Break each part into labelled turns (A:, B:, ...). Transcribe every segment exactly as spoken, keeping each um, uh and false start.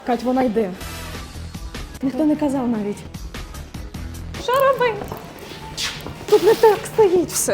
A: Кать, вона йде. Ніхто не казав навіть. Що робить? Тут не так стоїть все.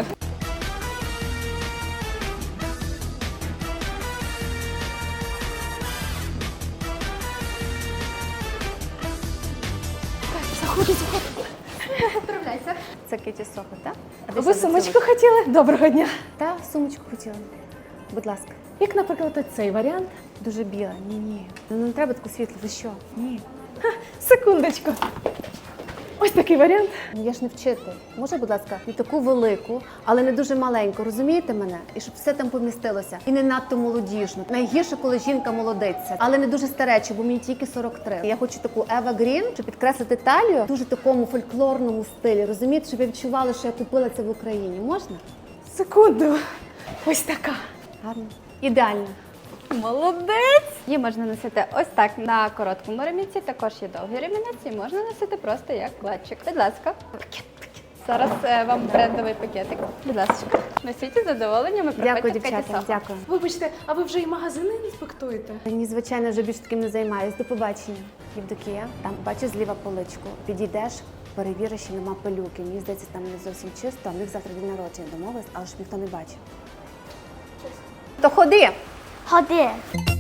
A: Заходи, заходи.
B: Поправляйся. Це Киті Сохо, так?
A: Ви сумочку хотіли? Доброго дня.
B: Та, сумочку хотіла. Будь ласка.
A: Як, наприклад, цей варіант?
B: Дуже біла. Ні-ні. Ну не треба таку світлу. Ви що? Ні.
A: Ха, секундочку. Ось такий варіант.
B: Ну я ж не вчитель. Може, будь ласка, не таку велику, але не дуже маленьку. Розумієте мене? І щоб все там помістилося. І не надто молодіжну. Найгірше, коли жінка молодиться. Але не дуже стареча, бо мені тільки сорок три. Я хочу таку Ева Грін, щоб підкреслити талію в дуже такому фольклорному стилі. Розумієте, щоб я відчувала, що я купила це в Україні. Можна?
A: Секунду. Ось така.
B: Гарно. Ідеально.
C: Молодець! Її можна носити ось так на короткому ремінці, також є довгий ремінець і можна носити просто як клатчик. Будь ласка. Зараз е, вам брендовий пакетик. Будь ласка. Носіть із задоволенням і
B: Дякую,
C: приходьте в
B: дівчата.
C: Каті Сохо.
B: Дякую.
A: Вибачте, а ви вже і магазини інспектуєте?
B: Ні, звичайно, вже більш таким не займаюсь. До побачення. Євдокія, там бачу зліва поличку. Підійдеш, перевіриш, що нема пилюки. Мені здається, там не зовсім чисто, а в них завтра день народження домовились, але ж ніхто не бачив. То ходи!
D: Ходи.